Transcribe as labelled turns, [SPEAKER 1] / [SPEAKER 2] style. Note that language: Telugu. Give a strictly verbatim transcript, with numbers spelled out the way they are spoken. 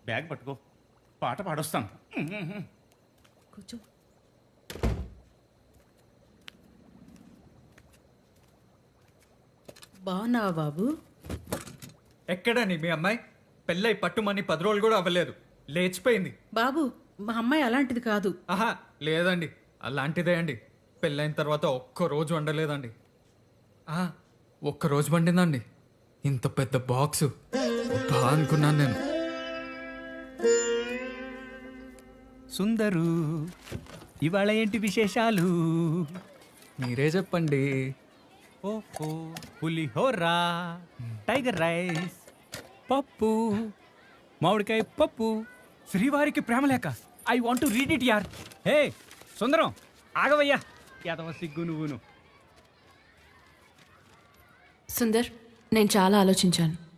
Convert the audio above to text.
[SPEAKER 1] బ్యాగ్ పట్టుకో, పాట పాడొస్తాను.
[SPEAKER 2] కూర్చో. బాగున్నావా బాబు?
[SPEAKER 3] ఎక్కడని మీ అమ్మాయి పెళ్ళై పట్టుమని పది రోజులు కూడా అవ్వలేదు, లేచిపోయింది.
[SPEAKER 2] బాబు, మా అమ్మాయి అలాంటిది కాదు.
[SPEAKER 3] ఆహా లేదండి, అలాంటిదే అండి. పెళ్ళైన తర్వాత ఒక్క రోజు వండలేదండి. ఆహా, ఒక్క రోజు వండిందండి. ఇంత పెద్ద బాక్సు బా అనుకున్నాను నేను.
[SPEAKER 4] సుందరు, ఇవాళ ఏంటి విశేషాలు?
[SPEAKER 3] మీరే చెప్పండి.
[SPEAKER 4] ఓహో, పులిహోరా, టైగర్ రైస్, పప్పు, మామిడికాయ పప్పు, శ్రీవారికి ప్రేమలేఖ. I want to read it యార్. హే సుందరం, ఆగవయ్యా, యాదవ సిగ్గు నువ్వును.
[SPEAKER 5] సుందర్, నేను చాలా ఆలోచించాను.